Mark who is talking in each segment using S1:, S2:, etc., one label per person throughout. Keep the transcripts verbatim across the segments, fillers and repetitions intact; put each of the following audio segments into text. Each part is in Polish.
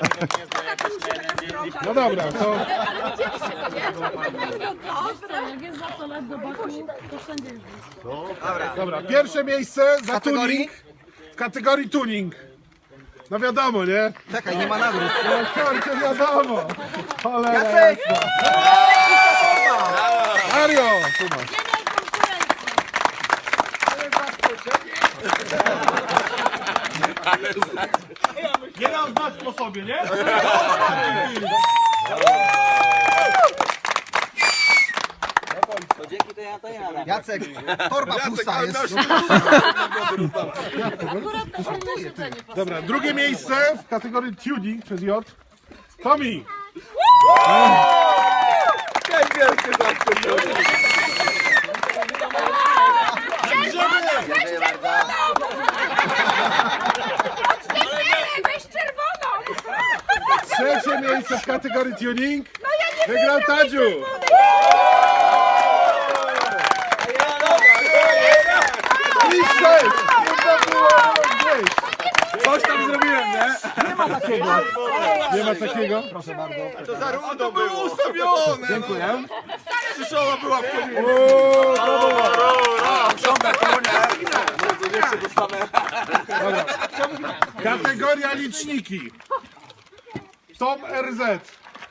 S1: No dobra, to...
S2: Jak jest za co lat do boku, to wszędzie jest.
S1: Dobra, pierwsze miejsce za tuning w kategorii tuning. No wiadomo, nie?
S3: Czekaj, nie ma nagród.
S1: No kurczę, wiadomo. Cholera
S3: Jacek!
S1: jasna. Mario!
S4: Nie dam znać po sobie, nie?
S3: To dzięki to ja to ja. Jacek, torba pusta jest.
S2: Akurat to fajne siedzenie pasuje.
S1: Dobra, drugie miejsce w kategorii tuning przez J. Tomi!
S5: Weź czerwoną!
S1: Trzecie miejsce w kategorii tuning wygrał Tadziu! I sześć! Nie było gdzieś!
S4: Coś tam zrobiłem, nie?
S3: Nie ma takiego.
S1: Nie ma takiego?
S3: Proszę bardzo.
S4: To za rudo było ustawione. Dziękuję. Przyszoła była w kominie.
S1: Uuu,
S4: Ciągle konia. Niech się dostanę.
S1: kategoria liczniki. Tom R Z.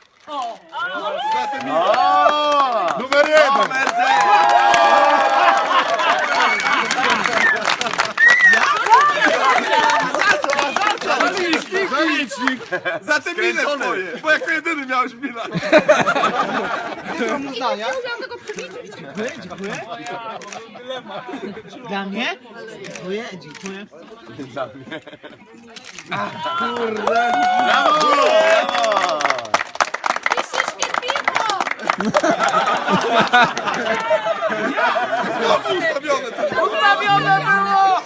S1: Numer jeden. Zalicznik.
S4: Za te miny twoje. Bo jako jedyny miałeś minę.
S3: Dyplom uznania.
S6: Dla mnie? Dziękuję, dziękuję.
S4: Znowu ustawione.
S5: Ustawione było!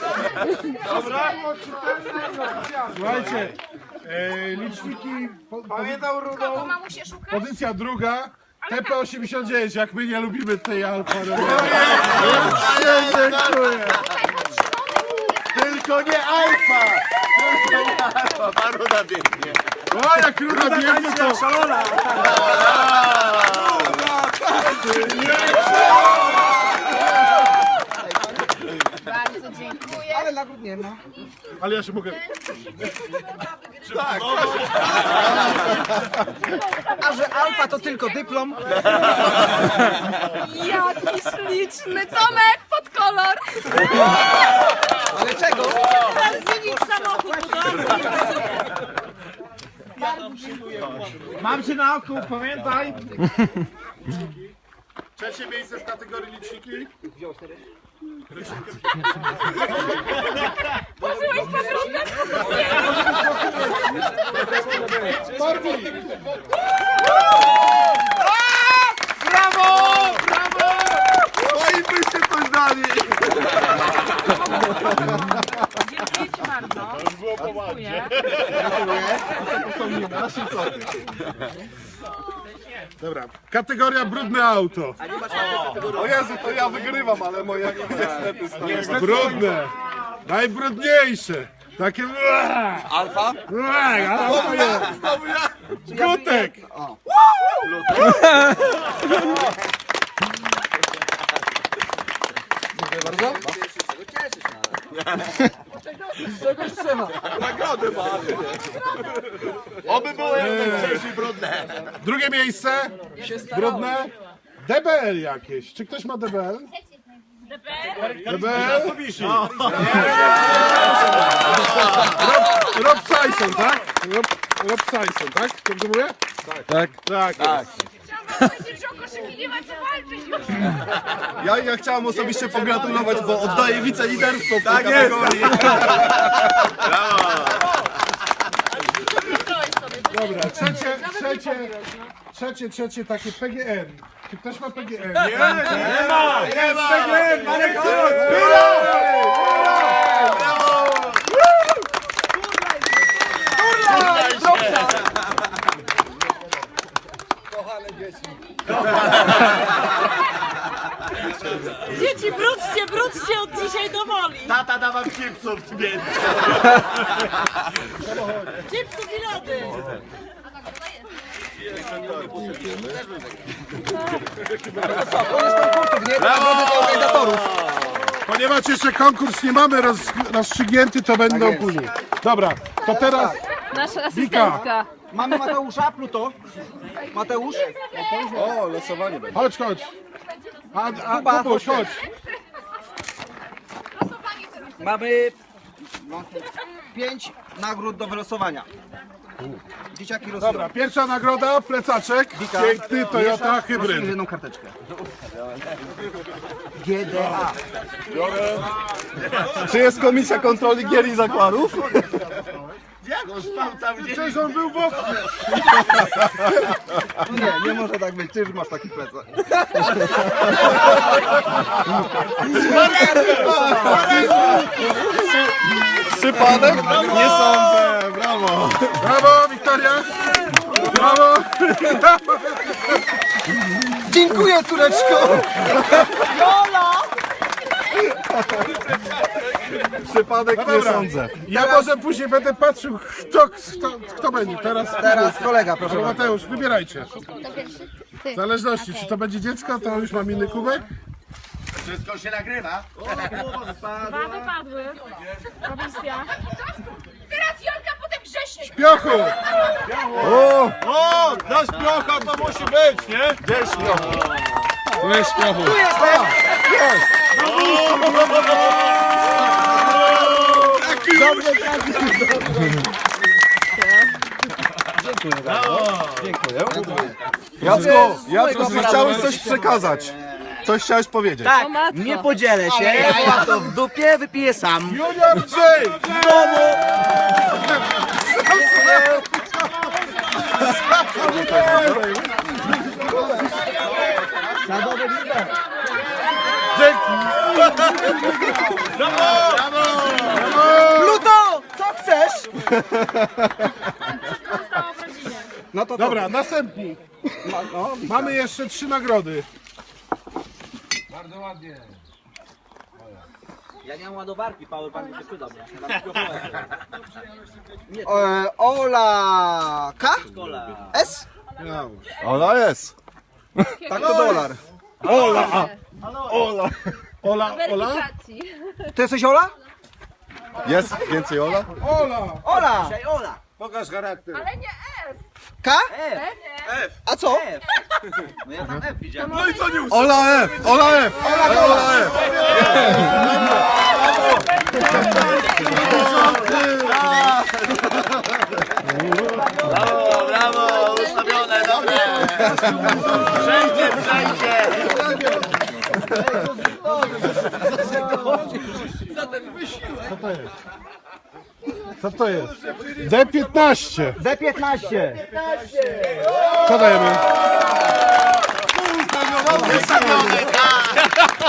S1: Słuchajcie, e, liczniki, po,
S4: Pamiętał rudą.
S5: Kogo mamusie szuka?
S1: pozycja druga, T P osiemdziesiąt dziewięć, jak my nie lubimy tej Alfa Romeo. Dziękuję.
S4: Tylko nie alfa. Tylko nie alfa. Paruda biegnie.
S1: O, jak ruda biegnie to...
S4: Szalona.
S5: Bardzo dziękuję.
S3: Ale nagród nie ma.
S1: Ale ja się mogę...
S4: Tak.
S3: A że alfa to tylko dyplom.
S5: Jaki śliczny Tomek pod kolor.
S3: Ale czego?
S2: Teraz zmienić samochód,
S6: Mam cię na oku, pamiętaj.
S1: Trzecie miejsce w kategorii liczniki.
S5: Włożyłeś podróbkę?
S1: Torbi!
S4: Brawo! Brawo! No i byście coś dali.
S2: Dziękuję ci bardzo. Dziękuję.
S1: Dobra, kategoria brudne auto.
S4: O Jezu, to ja wygrywam, ale moje niestety stoją.
S1: Brudne. Najbrudniejsze. Takie...
S4: Alfa?
S1: Alfa nie.
S4: Znowu ja.
S1: Gutek.
S3: Dziękuję bardzo. Z czegoś trzeba.
S4: Nagrody ma. Oby było jednocześnie brudne.
S1: Drugie miejsce. Brudne. D B L jakieś. Czy ktoś ma D B L? D B L? Rob, Rob Tyson, tak? Rob, Rob Tyson, tak? Dobrze mówię? Tak. Tak. Tak.
S5: Chciałam powiedzieć, że o koszyki nie ma co walczyć już.
S4: Ja, ja chciałem osobiście pogratulować, bo oddaję wiceliderstwo w tej kategorii.
S1: Dobra, trzecie, trzecie, trzecie, trzecie takie P G N. Czy ktoś ma P G N?
S4: Nie, nie ma! Nie ma! Marek, chodź!
S2: Dzieci, wróćcie, wróćcie od dzisiaj do woli.
S4: Tata da wam chipsów, więc.
S2: Chipsów i lody.
S1: Ponieważ jeszcze konkurs nie mamy roz, rozstrzygnięty, to będą później. Dobra, to teraz
S5: Nasza
S1: Wika.
S5: asystentka.
S3: Mamy Mateusza, Pluto. Mateusz.
S4: O, losowanie będzie.
S1: Chodź, chodź. A, a
S3: Kuba,
S1: Kubuś, chodź.
S3: Mamy no, pięć nagród do wylosowania. Dzieciaki losują.
S1: Dobra, pierwsza nagroda, plecaczek. Piękny Toyota Hybryd.
S3: Losujesz jedną karteczkę. G D A.
S4: Czy jest komisja kontroli gier i zakładów?
S1: Przecież on był w oknie.
S3: No nie, nie może tak być. Ty już masz taki plecak.
S4: Przypadek? Nie sądzę, brawo.
S1: Brawo, Wiktoria. Brawo.
S3: Dziękuję, Tureczko.
S4: Przypadek
S1: No
S4: nie
S1: dobra.
S4: sądzę.
S1: Ja może później będę patrzył, kto, kto, kto będzie. Teraz,
S3: Teraz kolega, proszę
S1: Albo
S3: bardzo.
S1: Mateusz, wybierajcie. W zależności, czy to będzie dziecko, to już mam inny kubek.
S4: Wszystko się nagrywa.
S2: Dwa wypadły. Komisja.
S5: Teraz Jolka, potem Grzesiek.
S1: Piochu!
S4: O, o, nasz piocha to musi być, nie? Gdzie jest piocha? Tu jest piochu.
S3: Tu jestem. Dobrze, Dziękuję bardzo. Dziękuję.
S4: Jacku, Jacku, czy chciałeś coś przekazać? Coś chciałeś powiedzieć?
S6: Tak, nie podzielę się, ja mam to w dupie, wypiję sam.
S1: Junior J!
S6: W domu.
S3: Sadowy lider.
S6: Pluto, co chcesz?
S2: Zostało w rodzinie.
S3: No to
S1: Dobra, następni. Mamy jeszcze trzy nagrody.
S6: Ja nie mam ładowarki, powerbank się przyda mnie.
S3: E, Ola K? S?
S4: Ona jest.
S3: Tak to dolar.
S1: Ola, Ola.
S5: Weryfikacji.
S3: Ty jesteś Ola?
S4: Jest więcej Ola?
S1: Ola!
S3: Ola.
S6: Cześć, Ola.
S4: Pokaż charakter.
S5: Ale nie F.
S3: K?
S6: F.
S3: A co?
S6: No ja tam F widziałem.
S4: No i co nie Ola F! Ola F! Ola F!
S6: Brawo, brawo, ustawione, dobre. Wszędzie, wszędzie.
S1: Co to jest? D piętnaście.
S3: D piętnaście.
S1: Co dajemy?
S6: Ustawione, tak.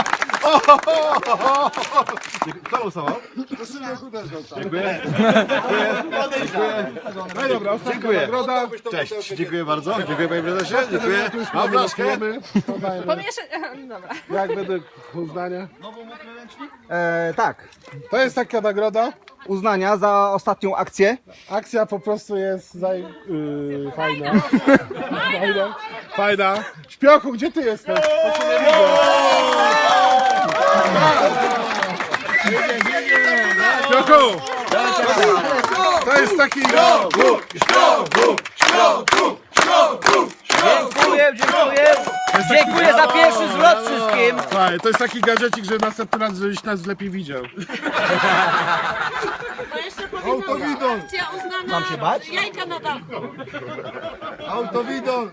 S4: Kto losował? Dziękuję.
S1: No i dobra, ostatnia
S4: Dziękuję.
S1: nagroda.
S4: Cześć, dziękuję bardzo. Dziękuję panie prezesie. Dziękuję.
S1: Mam blaszkę. Co dajemy?
S5: Pomieszać. Dobra.
S1: Jak według uznania?
S3: E, tak.
S1: To jest taka nagroda.
S3: Uznania za ostatnią akcję.
S1: Akcja po prostu jest zaj... yy, fajna. Fajna. Fajna. Śpiochu, gdzie ty jesteś? To się nie widzę. Śpiochu! To jest taki...
S6: Dziękuję, dziękuję. Dziękuję za pierwszy zwrot wszystkim.
S1: Słuchaj, to jest taki gadżecik, że następny raz, żebyś nas lepiej widział.
S2: To jeszcze powinno
S1: Autowidon.
S2: akcja uznana
S3: Mam się bać?
S2: jajka na dachu.
S1: Autowidon.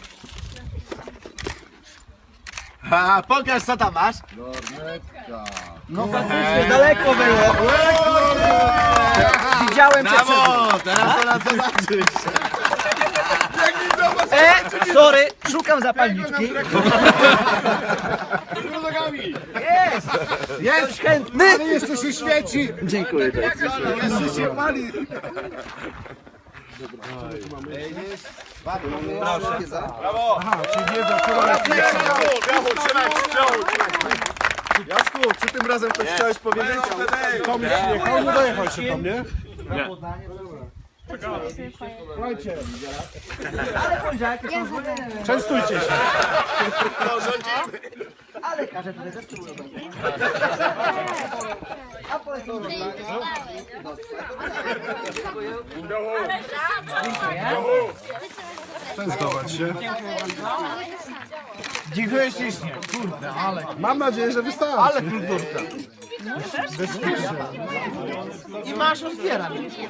S6: A, pokaż co tam masz.
S3: No faktycznie, daleko było. Widziałem cię przed...
S6: Brawo, teraz to nas zobaczysz. E, sorry, szukam zapalniczki. Jest! Jest chętny!
S1: Jeszcze się świeci.
S6: Dziękuję.
S1: Jeszcze się pali. Aha, czyli wiedza, która jest
S4: Brawo, trzymaj się, Jasku, czy tym razem coś chciałeś powiedzieć?
S1: Tom już przyjechał, nie dojechał jeszcze Tom, nie? Słuchajcie,
S3: Ale poniedziałek są zły.
S1: częstujcie się.
S3: Ale każe tutaj też czuło. A polecą
S1: Częstować się.
S3: Dziękuję ślicznie. Kurde, ale...
S1: Mam nadzieję, że wystarczy.
S3: Ale kulturka. I masz otwierać.